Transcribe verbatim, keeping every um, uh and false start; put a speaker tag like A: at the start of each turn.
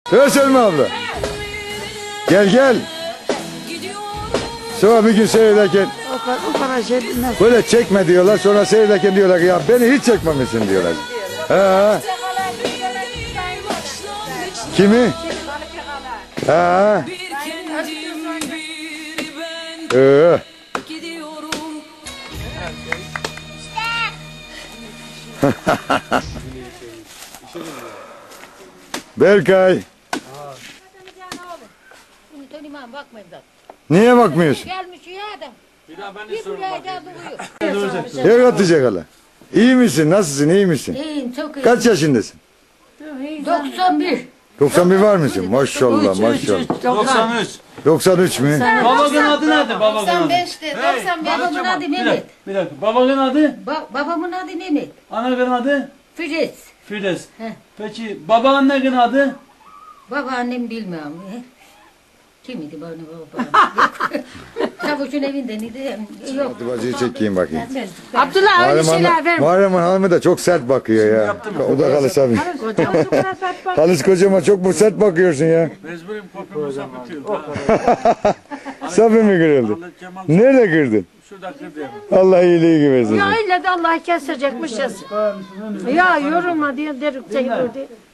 A: Evet Selma abla. Gel gel. Sonra bir gün seyrederken
B: O kadar, o kadar şey bilmez.
A: böyle çekme diyorlar. Sonra seyrederken diyorlar ki ya beni hiç çekmemişsin diyorlar. Ha. Kimi? Ha. Ee. Berkay. Niye bakmıyorsun?
C: Gelmiş ya adam.
D: Bir daha ben de
C: Bir
D: sorun
C: buraya
D: bakayım.
C: da duruyor.
A: Ev atacak hala. İyi misin? Nasılsın? İyi misin?
C: İyiyim çok iyi.
A: Kaç yaşındasın?
C: doksan bir.
A: doksan bir var mısın? Maşallah maşallah.
D: doksan üç.
A: doksan üç mü?
D: Babanın adı nerede? Babanın adı.
C: doksan beşte. doksan beş. Babamın adı
D: Bir
C: Mehmet.
D: dakika, bir dakika. Babanın adı?
C: Ba babamın adı Mehmet.
D: Ananın adı?
C: Filiz.
D: Filiz.
C: Heh.
D: Peki babaannenin adı?
C: Babaannem bilmiyorum. Kim idi bana babam? Çavuşun evinde neydi? Yok.
A: Hadi bacıyı çekeyim bakayım.
B: Abdullah öyle
A: Muharrem
B: şeyler
A: Hanım,
B: verme.
A: Muharrem Hanım'ı da çok sert bakıyor ya. O da Halis abi. Halis kocama çok mu sert bakıyorsun ya?
D: Mecburim kopyamı sapıtıyorum.
A: Safi mi kırıldı?
D: Cemal
A: Nerede kırdın?
D: şurada kırdı yani.
A: Allah iyiliği versin.
B: Ya ille de Allah kesecekmiş ya. Ya yorulma diye derik çekildi.